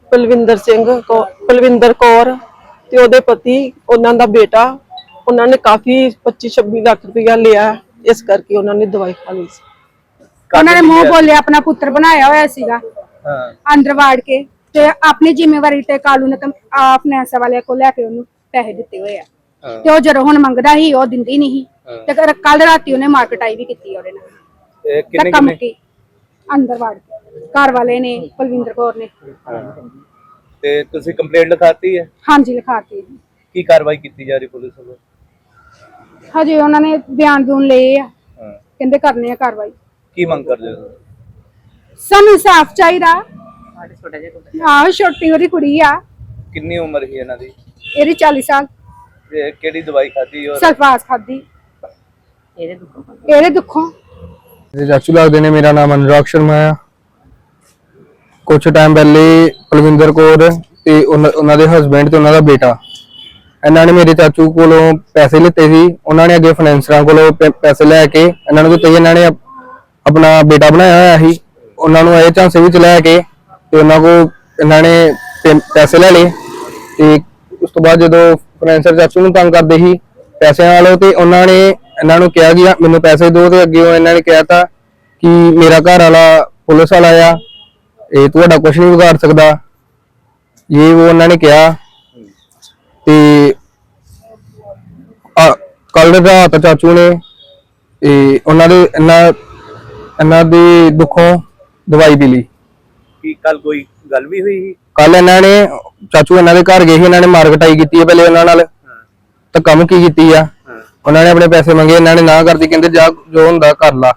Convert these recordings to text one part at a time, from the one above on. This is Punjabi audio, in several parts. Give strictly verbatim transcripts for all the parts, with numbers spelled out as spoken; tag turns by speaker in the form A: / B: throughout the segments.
A: ਪਲਵਿੰਦਰ ਸਿੰਘ ਪਲਵਿੰਦਰ ਕੌਰ ਤੇ ਉਹਦੇ ਪਤੀ ਉਹਨਾਂ ਦਾ ਬੇਟਾ ਉਹਨਾਂ ਨੇ ਕਾਫੀ ਪੱਚੀ ਛੱਬੀ ਲੱਖ ਰੁਪਇਆ ਲਿਆ ਇਸ ਕਰਕੇ ਉਹਨਾਂ ਨੇ ਦਵਾਈ ਖਾ ਲਈ ਸੀ।
B: ਉਹਨਾਂ ਨੇ ਮੂੰਹ ਬੋਲਿਆ ਆਪਣਾ ਪੁੱਤਰ ਬਣਾਇਆ ਹੋਇਆ ਸੀਗਾ
C: ਹਾਂ
B: ਅੰਦਰ ਵਾੜ ਕੇ ਤੇ ਆਪਣੀ ਜ਼ਿੰਮੇਵਾਰੀ ਤੇ ਕਾਲੂ ਨੇ ਫਾਈਨੈਂਸ ਵਾਲਿਆਂ ਕੋਲ ਲੈ ਕੇ ਉਹਨੂੰ ਪੈਸੇ ਦਿੱਤੇ ਹੋਏ ਆ ਤੇ ਉਹ ਜਦੋਂ ਹੁਣ ਮੰਗਦਾ ਸੀ ਉਹ ਦਿੰਦੀ ਨਹੀਂ ਤੇ ਕੱਲ ਰਾਤੀ ਉਹਨੇ ਮਾਰਕਟਾਈ ਵੀ ਕੀਤੀ ਉਹਦੇ ਨਾਲ
C: ਇਹ ਕਿੰਨੇ
B: ਕੰਮ
C: ਕਿੰਨੇ
B: ਕੀ ਅੰਦਰ ਵਾੜ ਕੇ ਘਰ ਵਾਲੇ ਨੇ ਪਲਵਿੰਦਰ ਕੌਰ ਨੇ
C: ਤੇ ਤੁਸੀਂ ਕੰਪਲੇਂਟ ਲਿਖਾਤੀ ਹੈ?
B: ਹਾਂਜੀ ਲਿਖਾਤੀ
C: ਕੀ ਕਾਰਵਾਈ ਕੀਤੀ ਜਾ ਰਹੀ ਪੁਲਿਸ ਵੱਲੋਂ?
B: ਹਜੇ ਉਹਨਾਂ ਨੇ ਬਿਆਨ ਬੂਨ ਲਏ ਆ
C: ਹਾਂ
B: ਕਹਿੰਦੇ ਕਰਨੇ ਆ ਕਾਰਵਾਈ।
C: ਕੀ ਮੰਗ ਕਰਦੇ ਹੋ?
B: ਸਾਨੂੰ ਸਾਫ਼ ਚਾਹੀਦਾ ਆਹ ਛੋਟੀ ਉਹਦੀ ਕੁੜੀ ਆ
C: ਕਿੰਨੀ ਉਮਰ ਸੀ ਇਹਨਾਂ ਦੀ?
B: ਇਹਦੀ ਚਾਲੀ ਸਾਲ
C: ਤੇ ਕਿਹੜੀ ਦਵਾਈ ਖਾਧੀ ਔਰ
B: ਸਲਫਾਸ ਖਾਦੀ ਇਹਦੇ ਦੁੱਖੋਂ ਇਹਦੇ ਦੁੱਖੋਂ
D: ਚਾਚੂ ਲੱਗਦੇ ਨੇ। ਮੇਰਾ ਨਾਮ ਅਨੁਰਾਗ ਸ਼ਰਮਾ ਆ। ਕੁਛ ਟਾਈਮ ਪਹਿਲੇ ਪਲਵਿੰਦਰ ਕੌਰ ਤੇ ਉਹਨਾਂ ਦੇ ਹਸਬੈਂਡ ਤੇ ਉਹਨਾਂ ਦਾ ਬੇਟਾ ਇਹਨਾਂ ਨੇ ਮੇਰੇ ਚਾਚੂ ਕੋਲੋਂ ਪੈਸੇ ਲਿੱਤੇ ਸੀ। ਉਹਨਾਂ ਨੇ ਅੱਗੇ ਫਾਈਨੈਂਸਰਾਂ ਕੋਲੋਂ ਪੈਸੇ ਲੈ ਕੇ ਇਹਨਾਂ ਨੂੰ ਦਿੱਤੇ। ਇਹਨਾਂ ਨੇ ਆਪਣਾ ਬੇਟਾ ਬਣਾਇਆ ਹੋਇਆ ਸੀ। ਉਹਨਾਂ ਨੂੰ ਇਹ ਝਾਂਸੇ ਵਿੱਚ ਲੈ ਕੇ ਤੇ ਉਹਨਾਂ ਕੋਲ ਇਹਨਾਂ ਨੇ ਪੈਸੇ ਲੈ ਲਏ ਤੇ ਉਸ ਤੋਂ ਬਾਅਦ ਜਦੋਂ ਫਾਈਨੈਂਸਰ ਚਾਚੂ ਨੂੰ ਤੰਗ ਕਰਦੇ ਸੀ ਪੈਸਿਆਂ ਵਾਲੋ ਤੇ ਉਹਨਾਂ ਨੇ ਇਹਨਾਂ ਨੂੰ ਕਿਹਾ ਕਿ ਮੈਨੂੰ ਪੈਸੇ ਦਿਓ ਤੇ ਅੱਗੇ ਇਹਨਾਂ ਨੇ ਕਿਹਾ ਕਿ ਮੇਰਾ ਘਰ ਵਾਲਾ ਪੁਲਿਸ ਵਾਲਾ ਆ, ਇਹ ਤੁਹਾਡਾ ਕੁਝ ਨਹੀਂ ਵਿਗਾੜ ਸਕਦਾ। ਇਹ ਉਹ ਉਹਨਾਂ ਨੇ ਕਿਹਾ ਤੇ ਕੱਲ ਰਾਤ ਚਾਚੂ ਨੇ ਇਹ ਉਹਨਾਂ ਦੇ ਇਹਨਾਂ ਇਹਨਾਂ ਦੇ ਦੁੱਖੋਂ ਦਵਾਈ ਪੀ ਲਈ।
C: ਕੀ ਕੱਲ ਕੋਈ ਗੱਲ ਵੀ ਹੋਈ ਸੀ?
D: ਕੱਲ ਇਹਨਾਂ ਨੇ ਚਾਚੂ ਇਹਨਾਂ ਦੇ ਘਰ ਗਏ ਸੀ। ਇਹਨਾਂ ਨੇ ਮਾਰਕਟਾਈ ਕੀਤੀ ਹੈ ਪਹਿਲੇ ਉਹਨਾਂ ਨਾਲ ਤਾਂ ਕੰਮ ਕੀ ਕੀਤੀ ਆ। ਉਹਨਾਂ ਨੇ ਆਪਣੇ ਪੈਸੇ ਮੰਗੇ, ਇਹਨਾਂ ਨੇ ਨਾ ਕਰਦੀ, ਕਹਿੰਦੇ ਜਾ ਜੋ ਹੁੰਦਾ ਕਰ ਲਾ।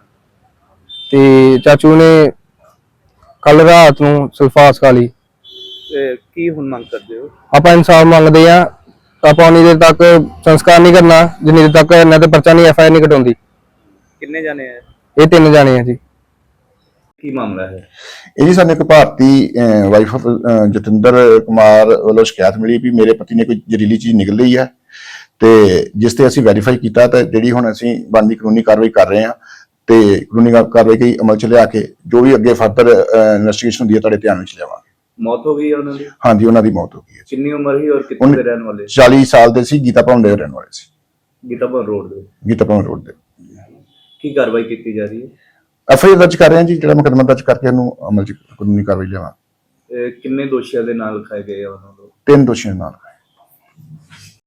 D: ਤੇ ਚਾਚੂ ਨੇ ਕੱਲ ਰਾਤ ਨੂੰ ਸਲਫਾਸ ਖਾ ਲਈ।
C: ਤੇ ਕੀ ਹੁਣ ਮੰਗ ਕਰਦੇ ਹੋ?
D: ਆਪਾਂ ਇਨਸਾਫ ਮੰਗਦੇ ਆ। ਆਪਾਂ ਉਨੀ ਦੇਰ ਤੱਕ ਸੰਸਕਾਰ ਨਹੀਂ ਕਰਨਾ ਜਿੰਨੀ ਦੇਰ ਤੱਕ ਇਹਨਾਂ ਤੇ ਪਰਚਾ ਨਹੀਂ ਐਫ ਆਈ ਆਰ ਨਹੀਂ ਕਟਾਉਂਦੀ।
C: ਕਿੰਨੇ ਜਾਣੇ ਆ?
D: ਇਹ ਤਿੰਨ ਜਾਣੇ ਆ ਜੀ।
C: ਕੀ ਮਾਮਲਾ ਹੈ
E: ਇਹ ਜੀ? ਸਾਨੂੰ ਇੱਕ ਭਾਰਤੀ ਵਾਈਫ ਆਫ ਜਤਿੰਦਰ ਕੁਮਾਰ ਵੱਲੋਂ ਸ਼ਿਕਾਇਤ ਮਿਲੀ ਵੀ ਮੇਰੇ ਪਤੀ ਨੇ ਕੋਈ ਜ਼ਹਿਰੀਲੀ ਚੀਜ਼ ਨਿਕਲ ਲਈ ਹੈ ਤੇ ਜਿਸ ਤੇ ਅਸੀਂ ਵੈਰੀਫਾਈ ਕੀਤਾ ਤੇ ਜਿਹੜੀ ਹੁਣ ਅਸੀਂ ਬਣਦੀ ਕਾਨੂੰਨੀ ਕਾਰਵਾਈ ਕਰ ਰਹੇ ਹਾਂ ਤੇ ਕਾਨੂੰਨੀ ਕਾਰਵਾਈ ਕਈ ਅਮਲ ਚ ਲਿਆ ਕੇ ਜੋ ਵੀ ਅੱਗੇ ਫਰਦਰ ਇਨਵੈਸਟੀਗੇਸ਼ਨ ਹੁੰਦੀ ਹੈ ਤੁਹਾਡੇ ਧਿਆਨ ਵਿੱਚ ਲਿਆਵਾਂਗੇ।
C: ਮੌਤ ਹੋ ਗਈ ਹੈ ਉਹਨਾਂ ਦੀ?
E: ਹਾਂਜੀ, ਉਹਨਾਂ ਦੀ ਮੌਤ ਹੋ ਗਈ ਹੈ।
C: ਕਿੰਨੀ ਉਮਰ ਸੀ ਔਰ ਕਿੱਥੇ ਦੇ ਰਹਿਣ ਵਾਲੇ?
E: ਚਾਲੀ ਸਾਲ ਦੇ ਸੀ। ਗੀਤਾ ਭਵਨ ਦੇ ਰਹਿਣ ਵਾਲੇ ਸੀ।
C: ਗੀਤਾ ਭਵਨ ਰੋਡ ਦੇ?
E: ਗੀਤਾ ਭਵਨ ਰੋਡ ਦੇ।
C: ਕੀ ਕਾਰਵਾਈ ਕੀਤੀ ਜਾ ਰਹੀ ਹੈ?
E: ਐਫ ਆਈ ਆਰ ਦਰਜ ਕਰ ਰਹੇ ਹਾਂ ਜੀ। ਜਿਹੜਾ ਮੁਕੱਦਮਾ ਦਰਜ ਕਰਕੇ ਉਹਨੂੰ ਅਮਲ ਚ ਕਾਨੂੰਨੀ ਕਾਰਵਾਈ ਲਿਆਵਾਂ।
C: ਕਿੰਨੇ ਦੋਸ਼ੀਆਂ ਦੇ ਨਾਲ ਲਿਖਾਏ ਗਏ ਆ ਉਹਨਾਂ ਨੂੰ?
E: ਤਿੰਨ ਦੋਸ਼ੀਆਂ ਨਾਲ।